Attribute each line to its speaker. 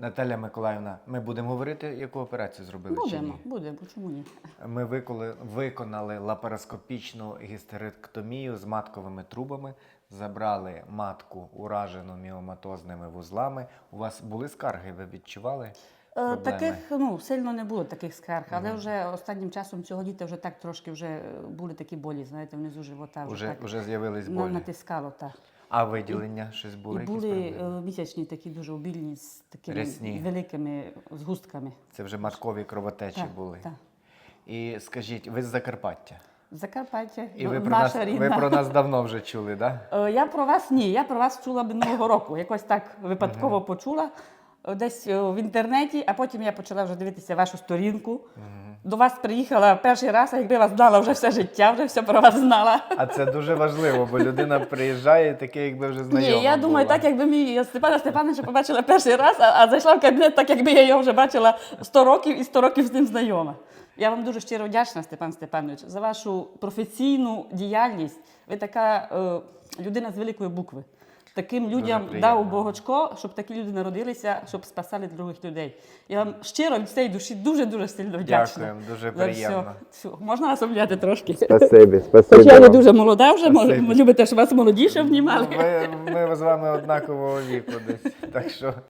Speaker 1: Наталя Миколаївна, ми будемо говорити, яку операцію зробили чи ні?
Speaker 2: Будемо, чому ні?
Speaker 1: Ми виконали лапароскопічну гістеректомію з матковими трубами, забрали матку, уражену міоматозними вузлами. У вас були скарги, ви відчували проблеми?
Speaker 2: Таких, сильно не було таких скарг, але вже останнім часом цього літа вже так трошки вже були такі болі, знаєте, внизу живота.
Speaker 1: Вже з'явились болі?
Speaker 2: Натискало, так.
Speaker 1: А виділення щось було?
Speaker 2: І були місячні такі дуже обільні, з такими
Speaker 1: Рясні.
Speaker 2: великими згустками.
Speaker 1: Це вже маткові кровотечі були?
Speaker 2: Так.
Speaker 1: І скажіть, ви з Закарпаття?
Speaker 2: Закарпаття,
Speaker 1: І ви
Speaker 2: наша рідна.
Speaker 1: ви про нас давно вже чули, так? Да?
Speaker 2: Я про вас ні, я про вас чула минулого року. Якось так випадково почула десь в інтернеті, а потім я почала вже дивитися вашу сторінку. До вас приїхала перший раз, а якби вас знала вже все життя, вже все про вас знала.
Speaker 1: А це дуже важливо, бо людина приїжджає, таке, якби вже знайома
Speaker 2: Ні, я думаю,
Speaker 1: була.
Speaker 2: так якби мій Степана Степановича побачила перший раз, а зайшла в кабінет, так якби я його вже бачила 100 років і 100 років з ним знайома. Я вам дуже щиро вдячна, Степан Степанович, за вашу професійну діяльність. Ви така людина з великої букви. Таким людям дав Богочко, щоб такі люди народилися, щоб спасали других людей. Я вам щиро від цієї душі дуже-дуже сильно вдячна.
Speaker 1: Дякуємо, дуже приємно.
Speaker 2: Все. Можна вас обняти трошки?
Speaker 1: Спасибі.
Speaker 2: Хоч я не дуже молода вже, любите, щоб вас молодіше обнімали.
Speaker 1: Ми з вами однакового віку десь, так що...